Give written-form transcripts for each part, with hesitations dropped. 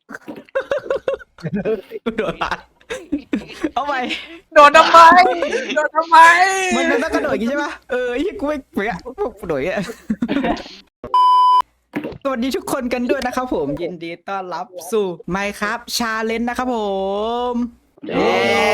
กูโดนละเอาไปโดนทำไมโดนทำไมมันต้องกระโดดอย่างงี้ใช่ปะไอ้เหี้ยกูไม่เปียกระโดดอย่างเงี้ยสวัสดีทุกคนกันด้วยนะครับผมยินดีต้อนรับสู่ Minecraft Challenge นะครับผมเย้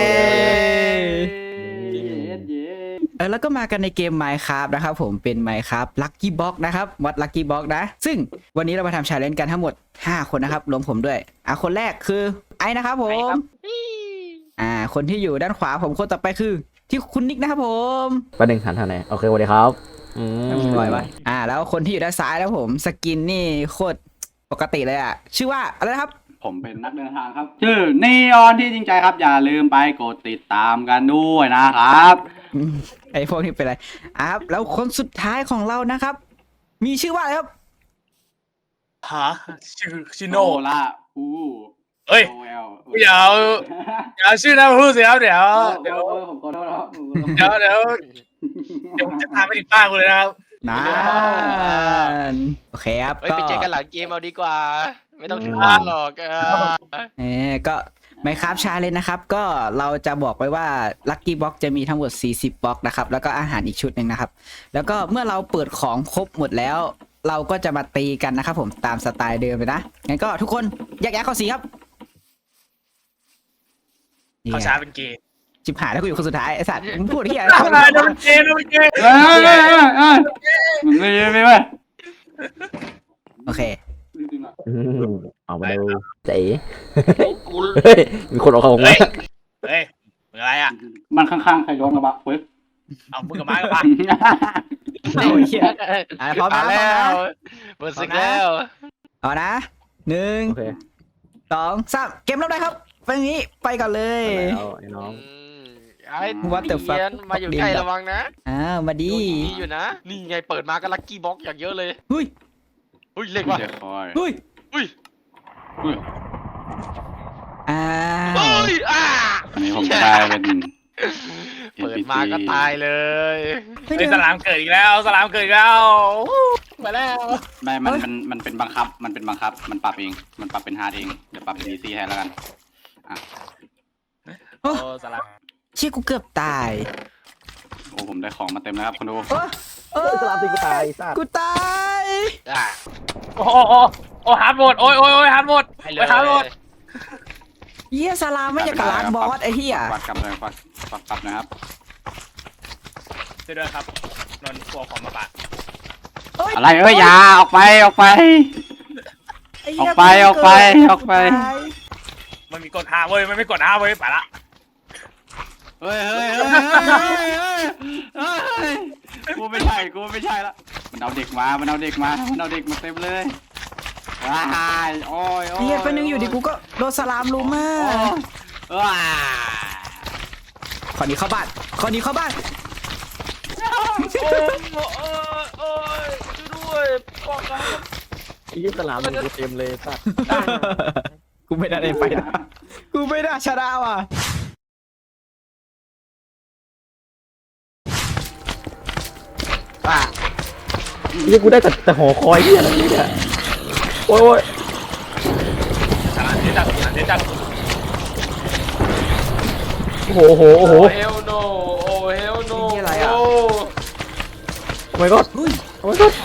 แล้วก็มากันในเกม Minecraft นะครับผมเป็น Minecraft Lucky Box นะครับวัด Lucky Box นะซึ่งวันนี้เรามาทำ Challenge กันทั้งหมด5คนนะครับรวมผมด้วยคนแรกคือไอ้นะครับผมคนที่อยู่ด้านขวาผมคนต่อไปคือที่คุณนิกนะครับผมประเด็นหันทางไหนโอเคสวัสดีครับปล่อยไว้แล้วคนที่อยู่ด้านซ้ายแล้วผมสกินนี่โคตรปกติเลยชื่อว่าอะไรนะครับผมเป็นนักเดินทางครับชื่อนีออนที่จริงใจครับอย่าลืมไปกดติดตามกันด้วยนะครับไอ้พวกนี้เป็นไรครับแล้วคนสุดท้ายของเรานะครับ มีชื่อว่าอะไรครับฮะชื่อโนโน่ล่าอูเฮ้ยโอเอลอย่าเอาชื่อนะพูดสิครับเดี๋ยวผมขอโทษครับเดี๋ยวจะพาไปถึงบ้านกูเลยนะครับนานโอเคครับเฮ้ยไปเจอกันหลังเกมเอาดีกว่า ไม่ต้องถึงบ้านหรอกก็ไม่ครับชาเลยนะครับก็เราจะบอกไว้ว่า Lucky Box จะมีทั้งหมด40บล็อกนะครับแล้วก็อาหารอีกชุดหนึ่งนะครับแล้วก็เมื่อเราเปิดของครบหมดแล้ว เราก็จะมาตีกันนะครับผมตามสไตล์เดิมเลยนะงั้นก็ทุกคนแยกย้ายเข้าสีครับเขาช้าเป็นเกย์จิบหายแล้วกูอยู่คนสุดท้ายไอ้สัตว์มึงพูดที่อะไรโดนเกย์โดนเกย์ไม่โอเคเอามาดูเจ๋เฮ้ยมีคนออกของมาเฮ้ยมึงอะไรอ่ะมันข้างๆใครโดนกระบะเฟิร์สเอามึงกับไม้กับมาโอ้ยเหี้ยพร้อมนะแล้วเปิดศึกแล้วเอานะ1 โอเค 2 3เกมเริ่มได้ครับเป็นอย่างนี้ไปก่อนเลยแล้วไอ้น้องไอ้ What the fuck เทียนมาอยู่ใกล้ระวังนะมาดีดีอยู่นะ นี่ไงเปิดมาก็ลัคกี้บ็อกอย่างเยอะเลยเฮ้ยอุ้ยเล็กว่ะเดี๋ยวคอยเฮ้ยอุ้ยอ้าวเฮ้ยอันนี้ผมได้เป็นเปิดมาก็ตายเลยไอ้สลามเกิดอีกแล้วสลามเกิดอีกแล้วมาแล้วไม่มันเป็นบังคับมันปรับเองมันปรับเป็นฮาร์ดเองเดี๋ยวปรับเป็นอีซี่ให้แล้วกันโอ้สลามเชี่ยกูเกือบตายโอ้ผมได้ของมาเต็มแล้วครับคุณดูสลามตีกูตายสัตว์กูตายโอ้ฮาร์ดโหมดโอ้ยฮาร์ดโหมดให้เลไปฮาร์ดโหมดยเหี้ยสลามไม่อยากกับล้างบอสไอ้เหี้ยวัดกลับเลยวัดปรับนะครับช่วยด้วยครับนนท์กลัวของมาปะอะไรอย่าออกไปไเหี้ยออกไปมันมีกดฮาเว้ยมันไม่กดฮาเว้ยไปละเฮ้ยกูไม่ใช่ละมันเอาเด็กมาเต็มเลยว้ายโอ้ยเหี้ยเป็นนึงอยู่ดิกูก็โดนสลามลุมมากว้าขอหนีเข้าบ้านโอ้ยช่วยด้วยบอกกันไอ้ยี่สลามกูเต็มเลยสัตว์กูไม่ได้ไปนะกูไม่ได้ชนะว่ะยี่กูได้แต่หอคอยที่อะไรเนี่ยโอ้ยสลามเจ๊จัดโอ้โหเฮลโนโอ้เฮลโนโอ้ my god โอ้ my god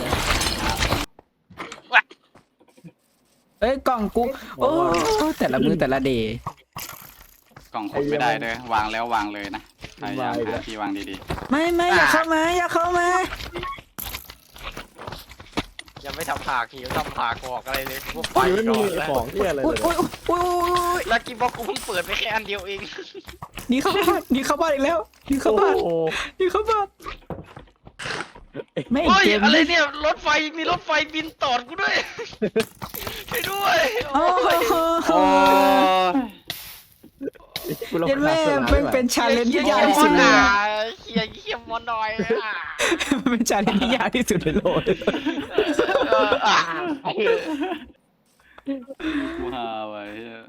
เอ้ยกล่องกูโอ้แต่ละมือแต่ละเดย์กล่องขุดไม่ได้เลยวางแล้ววางเลยนะพยายามหาที่วางดีไม่อย่าเข้ามายังไม่ทำผากหิวทำผากออกอะไรเลยกูไปไม่ก่มีอนแล้วของที่อะไรอุ้ยเลยลัคกี้บ็อกกูเพิ่งเปิดไปแค่อันเดียวเองหนีเข้าบ้านอีกแล้วหนีเข้าบ้านไม่เฮ้ยเกมอะไรเนี่ยรถไฟมีรถไฟบินตอดกูด้วยช่วยด้วยโอ้โหๆโอ้ยเย็นแม่เป็นชาเลนจ์ที่ยากที่สุดเลยเขี่ยมอนหน่อยเป็นชาเลนจ์ที่ยากที่สุดในโลกกูหาไว้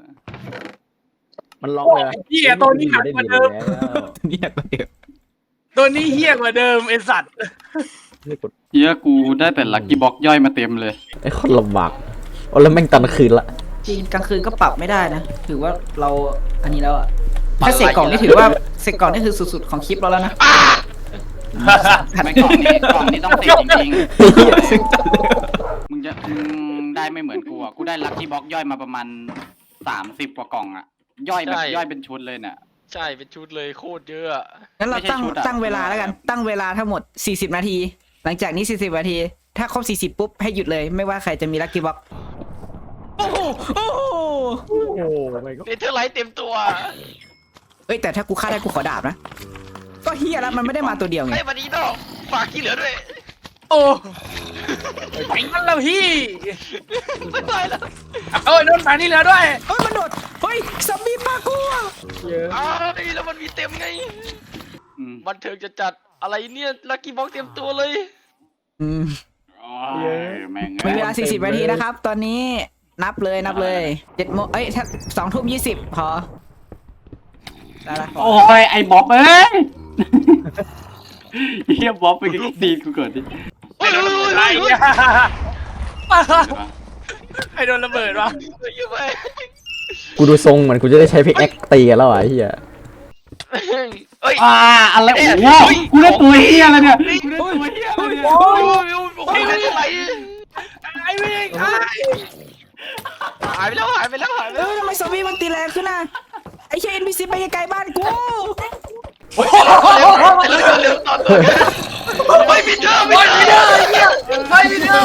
มันล็อกเลยเฮียตัวนี้หนักกว่าเดิมนี่หนักกว่าเดิมตัวนี้เฮียกว่าเดิมไอสัตว์เฮียกูได้แต่ลัคกี้บ็อกย่อยมาเต็มเลยไอ้คนลำบากโอ้แล้วแม่งตอนคืนละจริงกลางคืนก็ปรับไม่ได้นะถือว่าเราอันนี้แล้วอะถ้าเสกกล่องนี่ถือว่าเสกกล่องนี่คือสุดๆของคลิปเราแล้วนะไม่กล่องนี้ต้องเสกจริงๆมึงได้ไม่เหมือนกูอ่ะกูได้ลัคกี้บ็อกย่อยมาประมาณ30กว่ากล่องอ่ะย่อยแบบย่อยเป็นชุดเลยเนี่ยใช่เป็นชุดเลยโคตรเยอะอะงั้นเราไม่ใช่ชุดอะตั้งเวลาแล้วกันตั้งเวลาทั้งหมด40นาทีหลังจากนี้40นาทีถ้าครบ40ปุ๊บให้หยุดเลยไม่ว่าใครจะมีลัคกี้บ็อกโอ้โหโอ้โหโอ้โหไม่ก็เนเธอร์ไลท์เต็มตัวเอ้ยแต่ถ้ากูฆ่าได้กูขอดาบนะก็เฮียแล้วมันไม่ได้มาตัวเดียวไงไอ้วันนี้เนาะฝากที่เหลือด้วยโอ้ไอ้นั่นแล้วพี่ไม่ไหวแล้วเอ้ยโดนมานี่เหลือด้วยเฮ้ยมันโดดเฮ้ยซอมบี้ปลากูอะเยอะอ้าวแล้วมันมีเต็มไงอืมบันเทิงจะจัดอะไรเนี่ยลัคกี้บ็อกเต็มตัวเลยอืมโอ้ยแม่งมีเวลา40นาทีนะครับ ตอนนี้นับเลย7 โมงเอ้ยถ้า2 ทุ่ม 20พอได้ละโอ้ยไอ้บ๊อบเอ้ยเฮียบ๊อบไปดีกูเกิดดิโอ้ยโอ้ยโอ้ยไอ้โอ้ยเนี่ยไอ้โดนระเบิดวะเยอะไปกูดูทรงเหมือนกูจะได้ใช้พิกแอคตีกันแล้วอ่ะไอ้เหี้ยเอ้ยอะไรโอ้โหกูได้ตัวเฮียอะไรเนี่ยกูได้ตัวเฮียอะไรเนี่ยโอ้ยโอ้ยโอ้ยไม่เป็นไรไอ้วิ่งหายไปแล้วหายไปแล้วหายไปเอแล้วอทำไมซอมบี้มันตีแรงขึ้นน่ะไอ้เชนบีซีไปไกลๆบ้านกูเร็วตอนตัวไม่มีเธอไม่มีเธอไม่มีเด้อ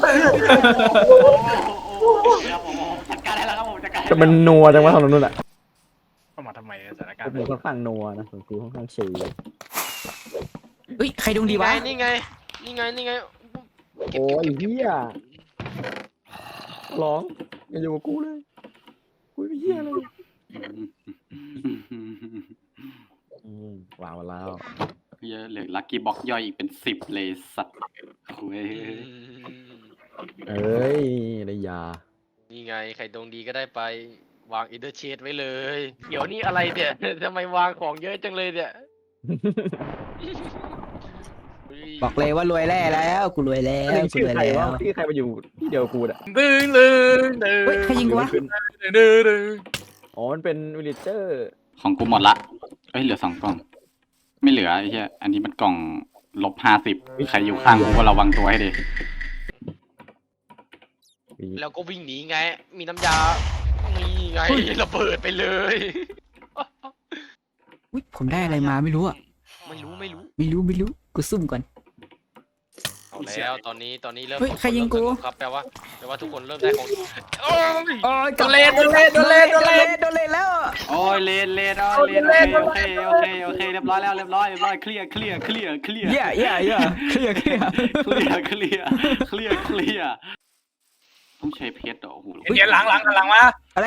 จัดการได้แล้วครับผมจัดการแต่มันนัวจังวะทางนู้นอ่ะเข้ามาทำไมสถานการกูณ์ค่อนข้างนัวนะของกูค่อนข้างชิลเลยเฮ้ยใครดวงดีวะนี่ไงโอ้ยเหี้ยร้องอย่าอยู่กับกูเลยกูไม่เหี้ยเลยว้าวแล้วเฮียเหลือลัคกี้บ็อกย่อยอีกเป็น10เลยสัตว์คุยเอ้ยได้ยานี่ไงใครดวงดีก็ได้ไปวางอินเตอร์เชดไว้เลย เดี๋ยวนี้อะไรเนี่ยทำไมวางของเยอะจังเลยเนี่ยบอกเลยว่ารวยแล้วกูรวยแล้วกูชื่อรวยใครแล้ววะที่ใครมาอยู่ที่เดียวกูอ่ะดึงเฮ้ยใครยิงกูวะดึงอ๋อมันเป็นวิลเลเจอร์ของกูหมดละเอ้ยเหลือ2 กล่อง ไม่เหลือไอ้เหี้ยอันนี้มันกล่อง-50ใครอยู่ข้างกูก็ระวังตัวให้ดีแล้วก็วิ่งหนีไง มีน้ำยามีไงระเบิดไปเลยอุ๊ยผมได้อะไรมาไม่รู้อะไม่รู้ไม่รู้กูซุ่มก่อนเอาแล้วตอนนี้เริ่มเฮ้ยใครยิงกูครับแปลว่าทุกคนเริ่มได้ของโอ้ยโอ้ยโดนเล่นโดนเล่นแล้วโอ้ยเลนโอเคเรียบร้อยแล้วเรียบร้อยเคลียร์เคลียร์เคลียร์เคลียร์ต้องใช้เพชรเหรอโอ้โหเดี๋ยวหลังมาอะไร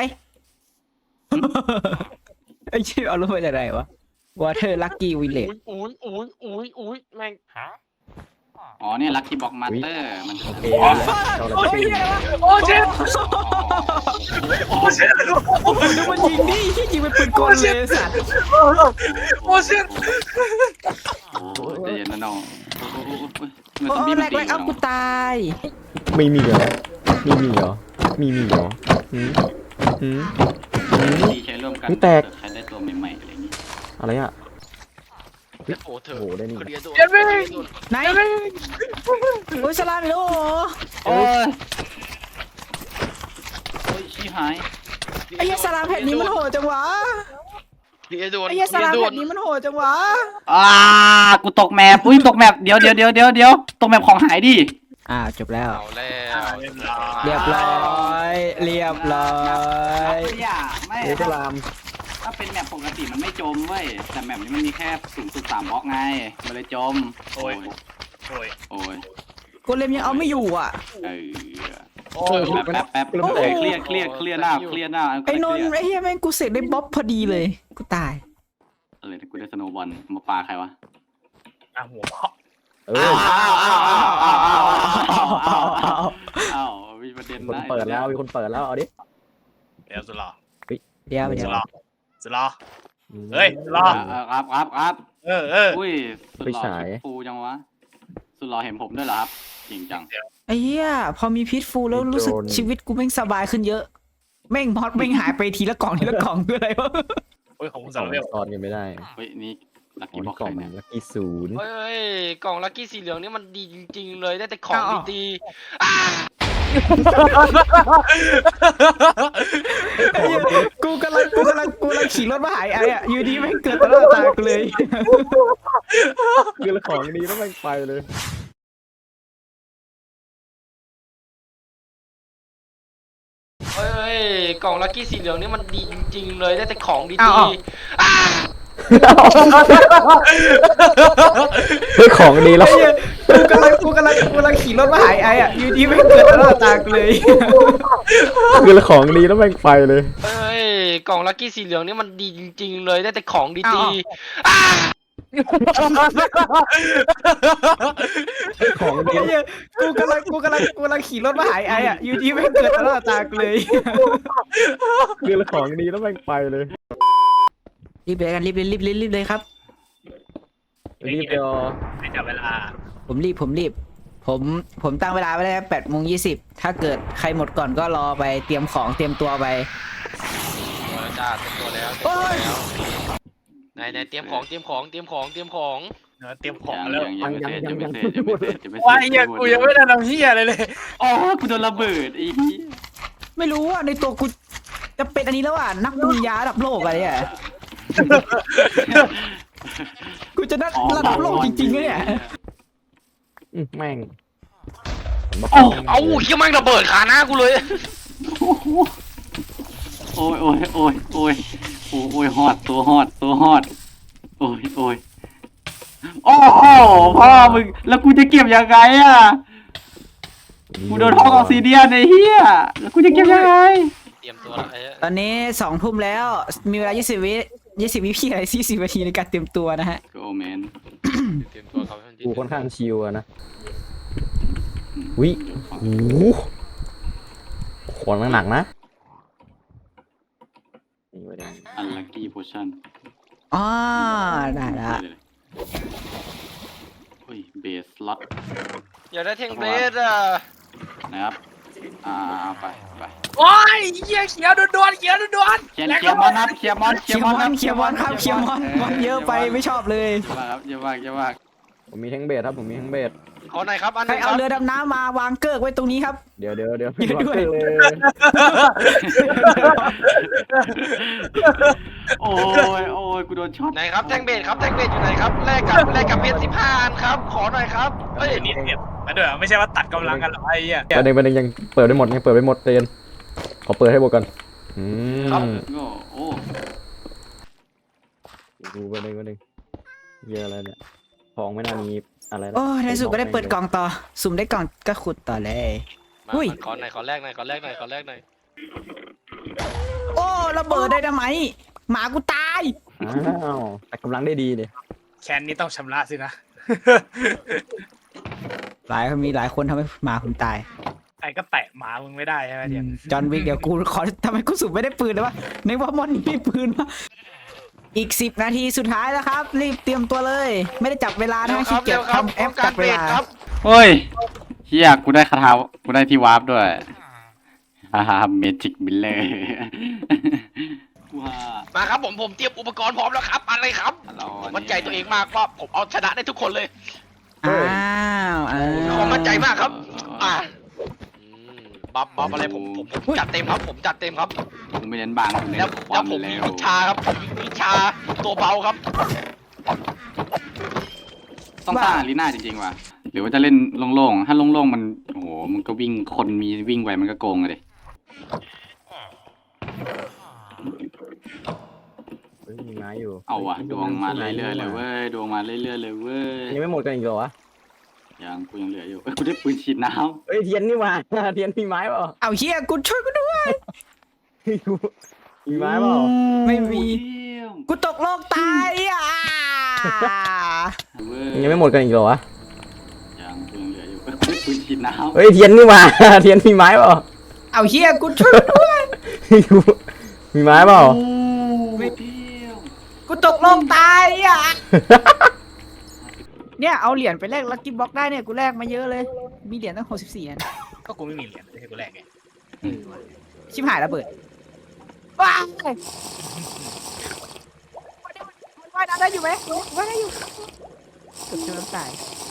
ไอ้ชื่อเอาลงมาจากไหนวะ Water Lucky Village อุ้ยแม่งอ๋อเนี่ยลัคกี้บ็อกมาสเตอร์มันโอเคเราเลยโอ้ยไปเหี้ยวะโอ้เจ็บโอ้เจ็บแล้วมันยิงดิยิงเป็นปืนกลเลยสัตว์โอ้เจ็บใจเย็นนะน้องเงินโอ้ซอมบี้แรมันกตีเอากูตายไม่มีเหรอมีเหรอหืมตีใช้ร่วมกันนี่แตกใช้ได้ตัวใหม่ๆอะไรอย่างงี้อะไรอ่ะโอ้เธอโอ้โหได้นี่เคลียร์ตัวเจ็บวิ่งไหนโอ้ยสลามอีกแล้วเหรอโอ้ยชี้หายไอ้เหี้ยสลามแผ่นนี้มันโหดจังวะเคลียร์ด่วนไอ้เหี้ยสลามแผ่นนี้มันโหดจังวะกูตกแมปตกแมปเดี๋ยวตกแมปของหายดิจบแล้วเอาแล้วเรียบร้อยไม่เอสลามถ้าเป็นแมปปกติมันไม่จมเว้ยแต่แมปนี้มันมีแค่0.3 บล็อกไงมันเลยจม โอ้ยกูเล่มยังเอาไม่อยู่อ่ะแป๊บเคลียร์หน้าไอ้นนท์ไอ้เหี้ยแม่งกูเสร็จได้บ๊อบพอดีเลยกูตายอะไรนะกูได้สโนว์บอลมาปาใครวะหัวเพาะอ้าวมีประเด็นคนนะเปิดแล้วมีคนเปิดแล้วเอาดิเดี๋ยวสุดหล่อเดี๋ยวสุดหล่อเฮ้ยรอครับ อุ้ยสุดไปหล่อฉายฟูจังวะสุดหล่อเห็นผมด้วยเหรอครับจริงจังไอ้เหี้ยพอมีพิษฟูแล้วรู้สึกชีวิตกูแม่งสบายขึ้นเยอะแม่งมอสแม่งหายไปทีละกล่องทีละกล่องคืออะไรวะโอ้ยของมึงสสาอรง เวลซ้อนกันไม่ได้เฮ้ยนี่ลักอ๋อกี้บ็นี่อกกล่องเนี่ยลัคกี้ศูนย์เฮ้ยกล่องลัคกี้สีเหลืองนี่มันดีจริงๆเลยได้แต่ของดีกูกำลังขี่รถมาหายไอ้อะอยู่ดีแม่งเกิดต่อหน้าตากูเลยคือของดีแล้วมันไปเลยเฮ้ยกล่องลัคกี้สีเหลืองนี่มันดีจริงๆเลยได้แต่ของดีเฮ้ยของดีแล้วกูกำลังขี่รถมาหายไอ้อะอยู่ดีแม่งเกิดต่อหน้าตากูเลยคือของดีแล้วมันไปเลยเฮ้ยกล่องลัคกี้สีเหลืองนี่มันดีจริงๆเลยได้แต่ของดีของดีกูกำลังขี่รถมาหายไอ้อะอยู่ดีแม่งเกิดต่อหน้าตากูเลยคือของดีแล้วมันไปเลยรีบเลยกันรีบเลยครับรีบเดียวไม่จับเวลาผมรีบผมตั้งเวลาไว้แล้ว8:20ถ้าเกิดใครหมดก่อนก็รอไปเตรียมของเตรียมตัวไปตัวแล้วจ้าเต็มตัวแล้วไหนเตรียมของเตรียมของแล้วยังไม่เสร็จยังไม่เสร็จว่าเฮียกูยังไม่ได้ทำเฮียอะไรเลยอ๋อกูโดนระเบิดอีกไม่รู้ว่าในตัวกูจะเป็นอันนี้แล้วอ่ะนักบุญญาระดับโลกอะไรอ่ะ กูจะนักระดับโลกจริงๆเนี่ยแม่งเอาเฮียแม่งระเบิดขาหน้ากูเลยโอ้ยฮอดตัวฮอดโอ้ยโอ้โหพ่อมึงแล้วกูจะเก็บยังไงอ่ะกูโดนห้องออกซิเดียนไอ้เหี้ยแล้วกูจะเก็บยังไงเตรียมตัวแล้วตอนนี้2 ทุ่มแล้วมีเวลา20 วิพี่อะไร40 นาทีในการเตรียมตัวนะฮะโอ้แมนเตรียมตัวครับกูค่อนข้างชิวอะนะวิโอ้ของหนักนะนี่ไว้ได้อันลัคกี้โพชั่นอ๋อได้ละเฮ้ยเบสล็อตอยากได้เทงเบสอ่ะนะครับเอาไปโอ้ยเฮียเขียวด่วนๆเคลียร์มอนครับเคลียร์มอนเคลียร์มอนครับเคลียร์มอนเยอะไปไม่ชอบเลยเยอะมากผมมีแท่งเบสครับผมมีแท่งเบสขอหน่อยครับอันใครนึงคเอารับเรือดำน้ำมาวางเกิกไว้ตรงนี้ครับเดี๋ยวเดี๋ยวด้วยเลยโอ้ยกูโดนช็อตไหนครับแทงเบสครับแทงเบสอยู่ไหนครับแลกกับเพชร15 อันครับขอหน่อยครับเฮ้ยนี่เก็บมาด้วยไม่ใช่ว่าตัดกำลังกันหรอไอ้เหี้ยประเด็นยังเปิดไม่หมดเตียนขอเปิดให้หมดก่อนโอ้ดูประเด็นเยอะอะไรเนี่ยของไม่น่ามีอะไรแล้วโอ้ในสุดก็ได้เปิดกล่องต่อสุ่มได้กล่องก็ขุดต่อเลยมาอุ้ยขอหน่อยขอแลกหน่อยโอ้ระเบิดได้ทำไมหมากูตายอ้าวแต่กำลังได้ดีเนี่ยแคนนี้ต้องชำระสินะมีหลายคนทำให้หมาผมตายไอ้ก็แตะหมามึงไม่ได้ใช่ไหมเดียนจอห์นวิกเดี๋ยวกูขอทำไมกูสุ่มไม่ได้ปืนเลยวะในว่ามอนมีปืนวะอีก10 นาทีสุดท้ายแล้วครับรีบเตรียมตัวเลย ไม่ได้จับเวลานะขี้เกียจทำแอปจับเวลาเฮ้ยเฮียกูได้คาถากูได้ที่วาร์ปด้วยเมจิกมิลเลอร์ว้ามาครับผมเตรียมอุปกรณ์พร้อมแล้วครับอะไรครับผมมั่นใจตัวเองมากว่าผมเอาชนะได้ทุกคนเลยอ้าวผมมั่นใจมากครับบัฟอะไรผมจัดเต็มครับผมจัดเต็มครับกูไม่เน้นบางกูเน้นแล้วผมมีวิชาครับผมมีวิชาตัวเบาครับต้องสร้างอารีนาจริงๆว่ะหรือว่าจะเล่นโล่งๆถ้าโล่งๆมันโอ้โหมันก็วิ่งคนมีวิ่งไวมันก็โกงเลยมีไม้อยู่เอาว่ะดวงมาเรื่อยๆเลยเว้ยดวงมาเรื่อยๆเลยเว้ยยังไม่หมดกันอีกเหรอวะยังกูยังเหลืออยู่กูได้ปืนฉีดน้เฮ้ยเทียนนี่มา เทียนมีไม้เปล่าเอาเฮียกูช่วยกูด้วยมีไม้เปล่าำไม่มีเยี่ยมกูตกโลกตายอ่ะเว้ยังไม่หมดกันอีกเหรอวะยังกูยังเหลืออยู่กูได้ปืนฉีดน้ำเฮ้ยเทียนนี่มา เทียนมีไม้เปล่าเอาเฮียกูช่วยกูด้วยมีไม้เปล่าไม่เที่ยวกูตกโลกตายอ่ะเนี่ยเอาเหรียญไปแลกลัคกี้บ็อกได้เนี่ยกูแลกมาเยอะเลยมีเหรียญตั้ง64อันก็กูไม่มีเหรียญไม่ใช่กูแรกไงชิบหายระเบิดว้ายว่ายน้ำได้อยู่ไหมว่ายได้อยู่เกือบจมน้ำตาย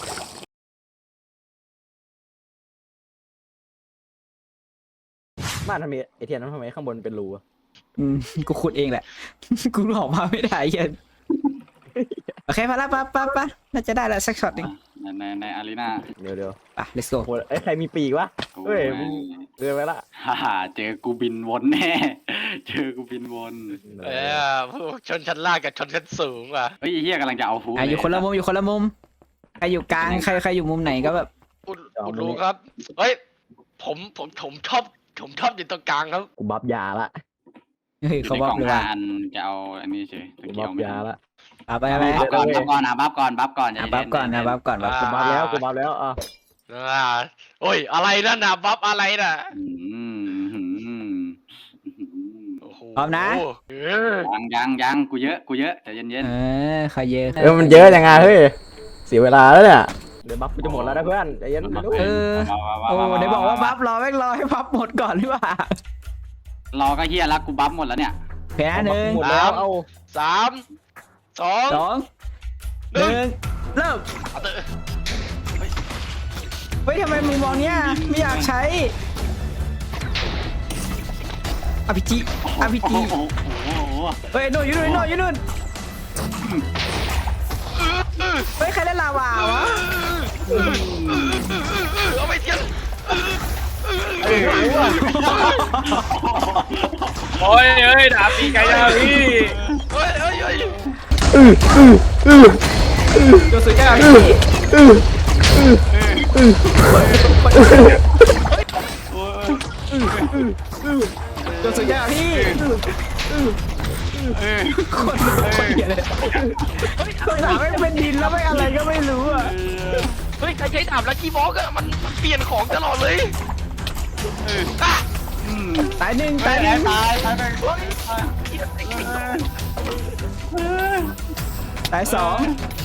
บ้านทำไมไอเทียนนั้นทำไมข้างบนเป็นรูอะกูขุดเองแหละ กูออกมาไม่ได้เหี้ยันโอเคพอละปะน่าจะได้แล้วสักช็อตหนึงในอารีนาเดี๋ยวไป let's go โหไอ้ใครมีปีกวะเฮ้ยมึงเดินไปละฮ่าเจอกูบินวนแน่ เจอกูบินวนพวกชนชั้นล่างกับชนชั้นสูงว่ะเฮ้ยไอ้เฮียกำลังจะเอาฟูอยู่คนละมุมอยู่คนละมุมใครอยู่กลางใครอยู่มุมไหนก็แบบอุดรูครับเฮ้ยผมชอบอยู่ตรงกลางครับกูบัฟยาละเฮ้ยเขาบอกเลยว่าอันจะเอาอันนี้เฉยกูบัฟยาละเอาไปบัฟก่อนบัฟก่อนบัฟก่อนนะบัฟก่อนกูบัฟแล้วกูบัฟแล้วอ่ะโอ้ยอะไรนั่นน่ะบัฟอะไรน่ะพร้อมนะยังกูเยอะใจเย็นใครเยอะมันเยอะยังไงเฮ้ยเสียเวลาแล้วเนี่ยเดี๋ยวบัฟกูจะหมดแล้วนะเพื่อนใจเย็นไม่รู้โอ้ได้บอกว่าบัฟรอแม่งรอให้บัฟหมดก่อนหรือเปล่ารอก็เฮียแล้วกูบัฟหมดแล้วเนี่ยแพ้หนึ่งหมดแล้วเอา 3 2 1เริ่มเฮ้ยทำไมมึงมองเนี้ยไม่อยากใช้อภิจิโอ้โหเฮ้ยโดนอยู่นู่นเฮ้ยใครเล่นลาวาวะเอาไปเทียนโอ้ยเอ้ยดาบตีไก่ดาวพี่เฮ้ยโดนสุดยอดพี่โดนสุดยอดพี่คนเหี้ยเลยตัวหนาไม่เป็นดินแล้วไม่อะไรก็ไม่รู้อ่ะเฮ้ยใครใช้ดาบลักกี้บ็อกอะมันเปลี่ยนของตลอดเลยตายหนึ่งตายไปตายสอง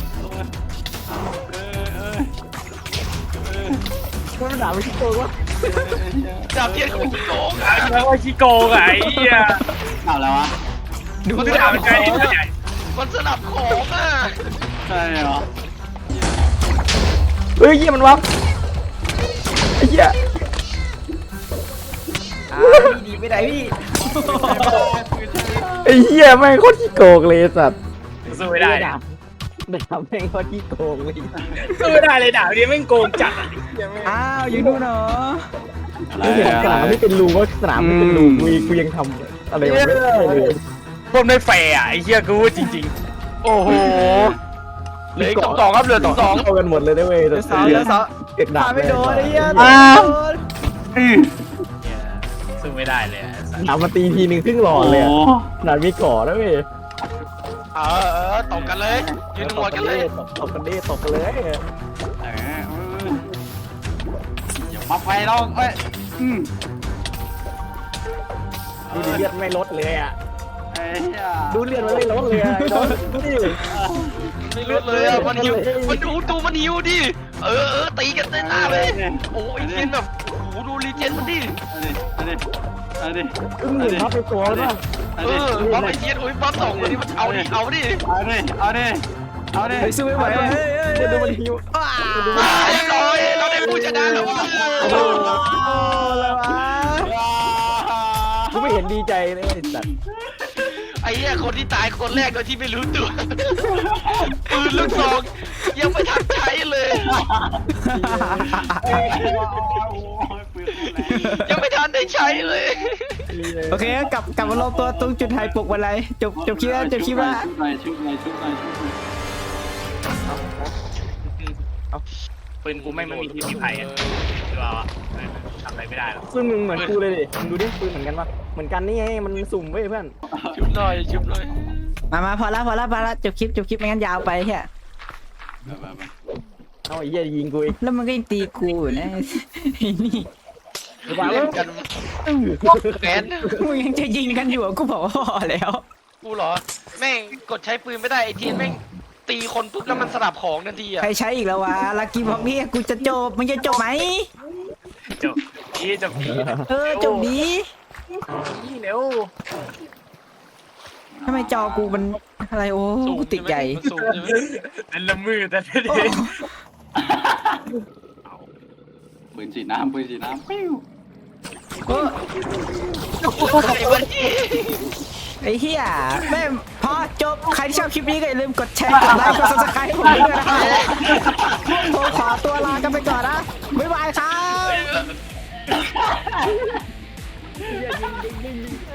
มันด่าไม่คิดโกงวะดาบเทียนของขี้โกงไอ้แล้วว่าขี้โกงไอ้เหี้ยเอาแล้ววะดูมันไม่ดาได้บเป็นไก่ที่ใหญ่มันสลับของอ่ะใช่เหรอเฮ้ยเหี้ยมันวับไอ้เหี้ยดีไม่ได้พี่ไอ้เหี้ยแม่งโคตรขี้โกงเลยสัตว์สู้ไม่ได้ดาบแม่งโคตรขี้โกงเลยสู้ไม่ได้เลยดาบนี้แม่งโกงจัดอ่ะอ้าวอยู่นู่นเหรออะไรกูเห็นสนามไม่เป็นรูว่าสนามไม่เป็นรูกูยังทำอะไรไม่ได้เลยผมไม่แฟร์อ่ะไอ้เหี้ยกูจริงโอ้โหเหลือสองครับเหลือสองเข้ากันหมดเลยนะเว้ยเดี๋ยวสองเก็บดาพาบไม่โดนไอ้เหี้ยๆสู้ไม่ได้เลยดาบมาตีทีนึงครึ่งหลอดเลยหนามีก่อนะเว้ยตบกันเลยยืนหมวดกันเลยตบกันดิตบกันเลยอย่ามาไฟเราเอ้ยดูดิเลือดไม่ลดเลยอ่ะไอ้เหี้ยดูเลือดมันไม่ลดเลยอ่ะดูดิไม่รู้เลยอ่ะมันหิวมันดูมันหิวดิตีกันเต้นหน้าเลยโอ้ยเทียนแบบโอ้โหดูรีเจนมันดิเอาดิมึงพับไปตัวแล้วบัฟไอเทียนโอ้ยบัฟสองคนนี้มันเอาดิเอาดิเฮ้ยสู้ไม่ไหวว่ะเฮ้ยดูมันหิวเรียบร้อยเราได้ผู้ชนะแล้วว่ะกูไม่เห็นดีใจเลยไอ้สัตว์ไอ้เหี้ยคนที่ตายคนแรกโดยที่ไม่รู้ตัวปืนลูกซองยังไม่ทันใช้เลยยังไม่ทันได้ใช้เลยโอเคกลับมารวมตัวตรงจุดไฮปลุกวันไรจบคลิปแล้วชุบหน่อยปืนกูไม่มีที่ไผ่อ่ะหรือเปล่าทำอะไรไม่ได้หรอกซึ่งมึงเหมือนกูเลยดิมึงดูดิปืนเหมือนกันปะเหมือนกันนี่ไงมันสุ่มเว้ยเพื่อนชุบหน่อยชุบหน่อยมาพอละจบคลิปไม่งั้นยาวไปแค่เอาไอ้เหี้ยยิงกูอีกแล้วมันก็ยังตีกูอยู่นะไอ้นี่เล่นกันแขนมึงยังจะยิงกันอยู่กูบอกว่าพอแล้วกูเหรอแม่งกดใช้ปืนไม่ได้ไอเทียนแม่งตีคนปุ๊บแล้วมันสลับของทันทีอ่ะใครใช้อีกแล้ววะลักกี้บอกนี่กูจะจบมึงจะจบไหมจบพี่จบดีนี่เร็วทำไมจอกูมันอะไรโอ้สูงกูติดใหญ่มันสูงใช่ไหมเป็นละมือแต่เด็โอ้กปืนฉีดน้ำปิ้วโอ้ ไอ้เหี้ยแม่งพอจบใครที่ชอบคลิปนี้ก็อย่าลืมกดแชร์กดไลค์กด subscribe ให้ผมด้วยนะครับผมขอตัวลากันไปก่อนนะบ๊ายบายครับ